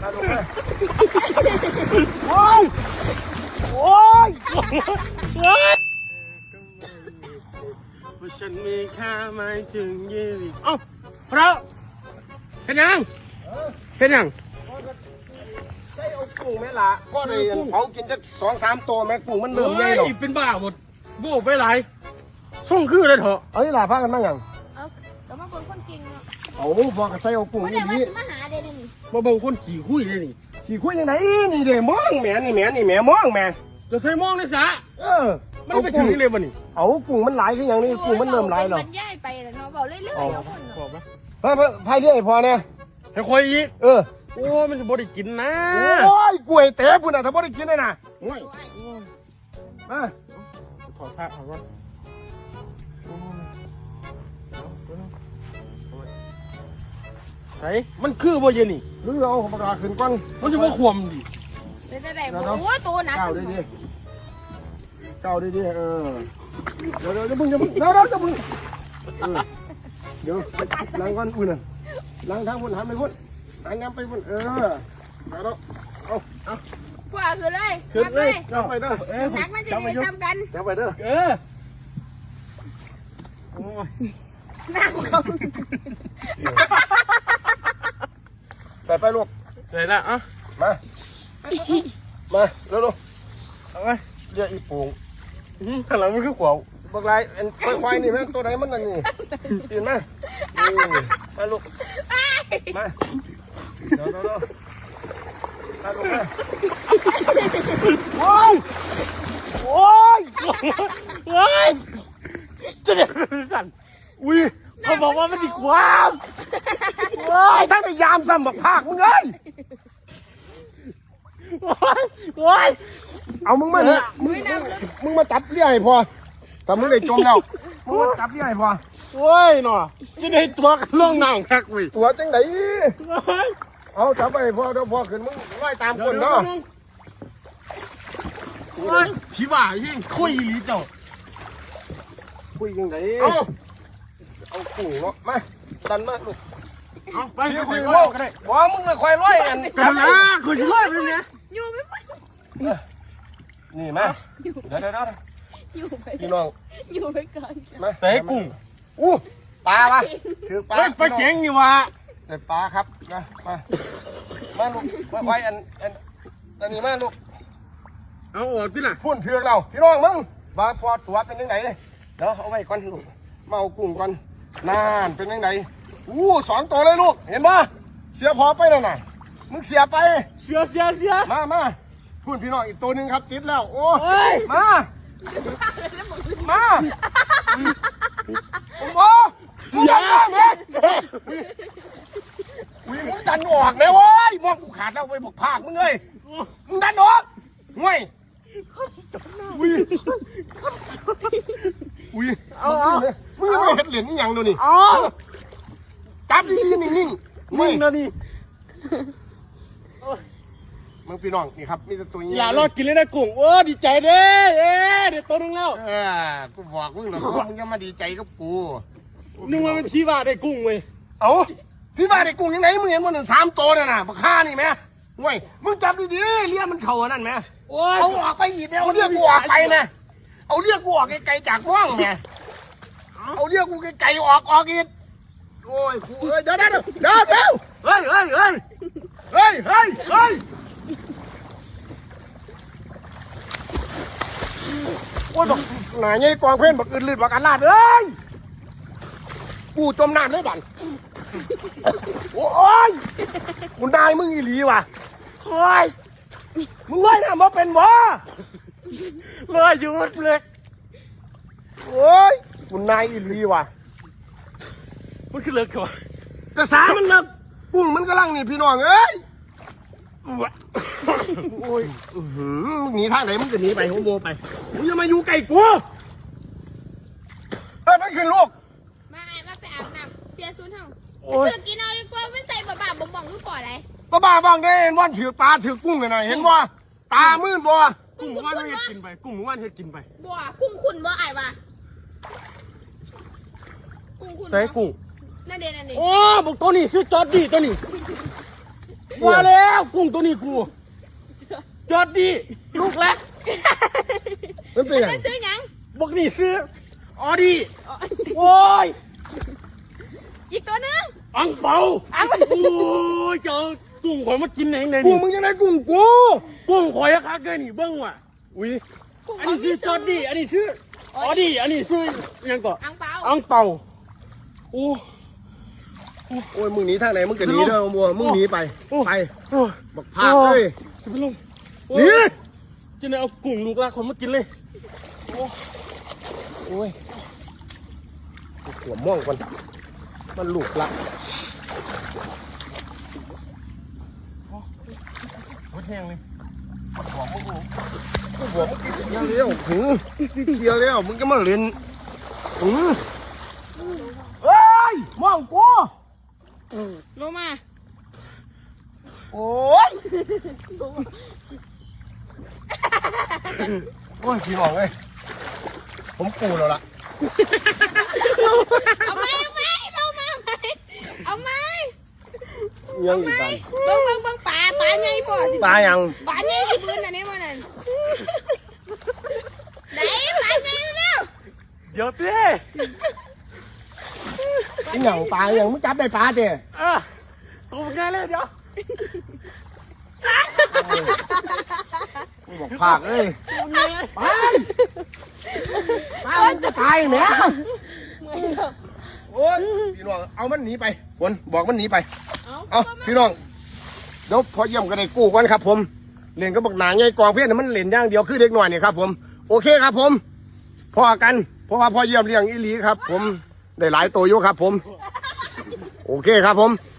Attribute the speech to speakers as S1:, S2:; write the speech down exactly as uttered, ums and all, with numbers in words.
S1: โอ้ยโอ้ยโอ้ยว่าฉันมีค่าไม่ถึงยี่สิบเอ้าพระเห็นยังเห็นยัง
S2: ใช่เอากุ้งไหมล่ะก็เลยเขากินจะสองสามตัวแม่กุ้งมันเริ่มใหญ่หรอก
S1: เป็นบ้าหมดโบ้ไปหลายส่งคือเลยเถอะ
S2: เอ้ยล่ะพากันมาอย่าง
S3: เอาแต่มาคนคนเก่งเนาะ
S2: เอาบอกกับใส่เอากุ้งนี่ดี
S3: มาหาเด่นนี่
S1: มาเบิ่งคนขี่คุยเลยนี่
S2: ขี่คุยยังไงนี่เด้มองแม่นี่แม่นี่แม่มองแม่
S1: จะใส่มองในสระ
S2: เออ
S1: มันไปถึงเลยบ่นี่
S2: เอากุ้งมันหลายขึ้นอย่างนี้กุ้งมันเริ่มหลายหรอก
S3: มันย่ายไปแล้วเนาะบอกเรื่อยๆเอาคนเนาะ
S2: พายพายเรื่อยพอเนี่ย
S1: ให้คอยอีก
S2: เออ
S1: โอ้มันจะบ่ได้กินนะ
S2: โอ้ยกล้วยเต๋ปุ่นน่ะถ้าบ่ได้กินเลยนะโอ้ยมา
S1: ถอดผ้าถอดก่อนใส่มันคือบ่เย็นนี่
S2: หรือเอาปากกาขึ้นก่อน
S1: มันจะบ่ขวมดิ
S3: เป็นได้โอ้ตัวหนัก
S2: เก้าได้ดิเก้าได้ดิเออเดี๋ยวเดี๋ยวจะมึงจะมึงเดี๋ยวเดี๋ยวจะมึงเดี๋ยวล้างก่อนอุ่นน่ะล้างทางพุ่นหันไปพุ่นล้างน้ำไปพุ่นเออเอาแล้วเอาเอา
S3: กว่าคือเลย
S1: ขึ้นเลย
S2: จับไปเด้อ
S3: หนักมันจะได้ทำกัน
S2: จับไปเด้อ
S1: เออ
S2: โอ้ย
S3: หนักเขา
S2: ไปไปลูก
S1: ใส่ละอ่ะ
S2: มามาเร็ว
S1: ๆเอาไป
S2: เรียกอีปูง
S1: ข้างหลังมันคือขวาว
S2: บักลายอันควายนี่แม่ตัวไหนมันนั่นนี่ตื่นมามาลูกมาเดี๋ยวเดี๋ยวมาลูกมา
S1: โอ้ยโอ้ยโอ้ยจะเดี๋ยวสั่นอุ้ยเขาบอกว่ามันดีความ
S2: โอ้ยทั้งพยายามซ้ำบักภาคมึงเลย
S1: โอ้ยโอ้ย
S2: เอามึงมาเนี่ยมึงมึงมาจับเลี้ยให้พอแต่มึงได้จมแล้วมึงมาจับเลี้ยให้พอ
S1: โอ้ยหน่อจะได้ตัวกันล่องน้ำคักวิ
S2: ตัวจังไหนเอาจับไปพอเดี๋ยวพอขึ้นมึงไล่ตามคนเนาะ
S1: โอ้ยพี่บ่ายิ่งคุยลีเจ้า
S2: คุยยังไงเอาเอากุ้งเนาะมาดันมาลูก
S1: เอาไป
S2: คุยโลกกันเลยว่ามึงเลยควายร้อยอัน
S1: กันนะคุยร้อยเป็นไง
S3: อยู่ไม่ไป
S2: นี่มาเดี๋ยวเดี๋ยวเดี๋ยว
S3: อยู่ไป
S2: พี่น้อง
S3: อยู่ไปก่อน
S2: มา
S1: ใส่กุ้ง
S2: อู้ปลาปะคือปลา
S1: ปลาเก่งอยู่วะ
S2: แต่ปลาครับนะมามาลูกมาควายอันอันอันนี้มาลูก
S1: เอาออกที่ไหน
S2: พุ่นเถือกเราพี่น้องมึงมาพอตัวเป็นยังไงเดี๋ยวเอาไว้ก่อนลูกมาเอากุ้งก่อนนานเป็นยังไงอู้สองตัวเลยลูกเห็นปะเสียพอไปแล้วน่ะมึงเสียไป
S1: เสียเสียเสีย
S2: มามาพุ่นพี่น้องอีกตัวหนึ่งครับติดแล้วโอ้ยมามาโอ้โหมึงดันมาเม็ดวิ่งมึงดันออกเลยเว้ยมองกูขาดแล้วไปบอกภาคมึงเลยมึงดันออกห่วยวิ่งวิ่งเอาเอามึงไม่เห็นเหรียญนี่ยังดูนี่จับดีๆนิ่งๆ
S1: มึงนะนี่
S2: มึงพี่น้องนี่ครับมีแต่ตัวนี้
S1: อย่ารอดกินเลยนะกุ้งโอ้ดีใจเด้เอ๊เดี๋ยวตัวนึงแล้ว
S2: เออกูบอกมึงหรอกมึงจะมาดีใจกับกู
S1: นึกว่าเป็นพี่ว่าได้กุ้งเว้ย
S2: เอ้าพี่ว่าได้กุ้งยังไงมึงเห็นมันหนึ่งสามตัวน่ะนะบักฆ่านี่ไหมห่วยมึงจับดีๆเลี้ยมันเข่านั่นไหมเอาออกไปอีกแล้วเอาเรียกกูออกไปนะเอาเรียกกูออกไกลๆจากว่างไงเอาเรียกกูไกลๆออกออกอีกโอ้ยกูเอ้ยเดี๋ยวเดี๋ยวเดี๋ยวเดี๋ยวเฮ้ยเฮ้ยเฮ้ยเฮ้ยเฮ้ยเฮ้ยโอ้ยบอกหน่ายยัยกวางเพ่นบอกอื่นลืดบอกอันลาดเอ้ยกูจมน้ำเลยบังโอ้ยกูนายมึงอีหลีว่ะโอ้ยมึงเลยนะมาเป็นบ่
S1: เลยหยุดเลย
S2: โอ้ยกูนายอีหลีว่ะ
S1: มันคือเลิกก่อน
S2: แต่สามันเลิกกุ้งมันกำลังนี่พี่น้องเอ้ยโอ้ยมึงหนีทางไหนมึงจะหนีไปหัวโบไปมึงจะมาอยู่ไก่กูเออนั่นคือลูก
S3: มาไอ้มาไปอาบน้ำเปลี่ยนชุดห้องเธอกินเอาดีกว่าไม่ใส่บ้าๆบ่องๆลูกปอดอะไร
S2: บ้าๆบ้องได้เห็นว่าถือปลาถือกุ้งเลยนะเห็นว่าตามืดบ่
S1: กุ้งว่านเฮ็ดกินไปกุ้งว่านเฮ็ดกินไป
S3: บ่กุ้งขุ่นบ่ไอ้วะกุ้งขุ่น
S1: ใส่กุ้ง
S3: นั่นเด่นนั่นเด่น
S1: โอ้บอกตัวนี้ซื้อจอดดีตัวนี้
S2: โอ้
S1: ว่าแล้วกุ้งตัวนี้กูจอดดีลูกแรก
S2: มันเป็นยัง
S3: จะซื้อหยัง
S1: บอกนี่ซื้อออดีโอ้ย
S3: อีกตัวนึง
S1: อังเปาอังโอ้ยเจอกุ้งข่อยมากินเองเลย
S2: กู
S1: นี่
S2: มึงจะได้กุ้งกู
S1: กุ้งข่อยอะคักเลยนี่เบิ้งว่ะ
S2: อุ้ย
S1: อันนี้ซื้อจอดดีอันนี้ซื้อออดีอันนี้ซื้อยังก่อน
S3: อังเปา
S1: อังเปาโอ้
S2: โอ้ยมึงหนีทางไหนมึงจะหนีเด้อมัวมึงหนีไปไป
S1: โอ้
S2: บักพากเลย
S1: จะไปลง
S2: หนี
S1: จะเนี่ยเอากุ้งลูกรักคนมากินเลยโอ้
S2: โอ้ยหัวม่วงก่อนมันลูกละ
S1: โหแห้งเลย
S2: หัวมึงหัวมึงกินเดียวเลี้ยวหืมเดียวเลี้ยวมึงก็มาเล่นหืมเฮ้ยม่วงกู
S3: ลงมา
S2: โอ้ยโอ้ยพี่น้องเอ้ยผมปูแล้วล่ะ
S3: เอาไหมเอาไหมลงมาไหมเอาไหม
S2: ยังอีกบ้าง
S3: เบิ่งเบิ่งเบิ่งปลาปลาใหญ่พอสิ
S2: ปลายัง
S3: ปลาใหญ่ที่พื้นอันนี้มันนั่นไหนปลาใหญ่เร็ว
S1: เดี๋ยวเต้
S2: ไอ้เหงาปลายังมึงจับได้ปลาเจ้
S1: อ่ะตัวแกเลยเดี๋ยว
S2: มึงบอกพากเอ้ย
S1: ตัวแกเลย
S2: ไปปลามันจะตายไหมโอ้ยพี่น้องเอามันหนีไปคนบอกมันหนีไป
S3: เอา
S2: เอาพี่น้องเดี๋ยวพอเยี่ยมก็ได้กู้กันครับ ผมเล่นก็บอกหนาไงกองเพื่อนมันเล่นอย่างเดียวคือเด็กหน่อยนี่ครับ ผมโอเคครับ ผมพอกันเพราะว่าพอเยี่ยมเลี้ยงอีหลีครับ ผมได้หลายตัวอยู่ครับ ผม โอเคครับ ผม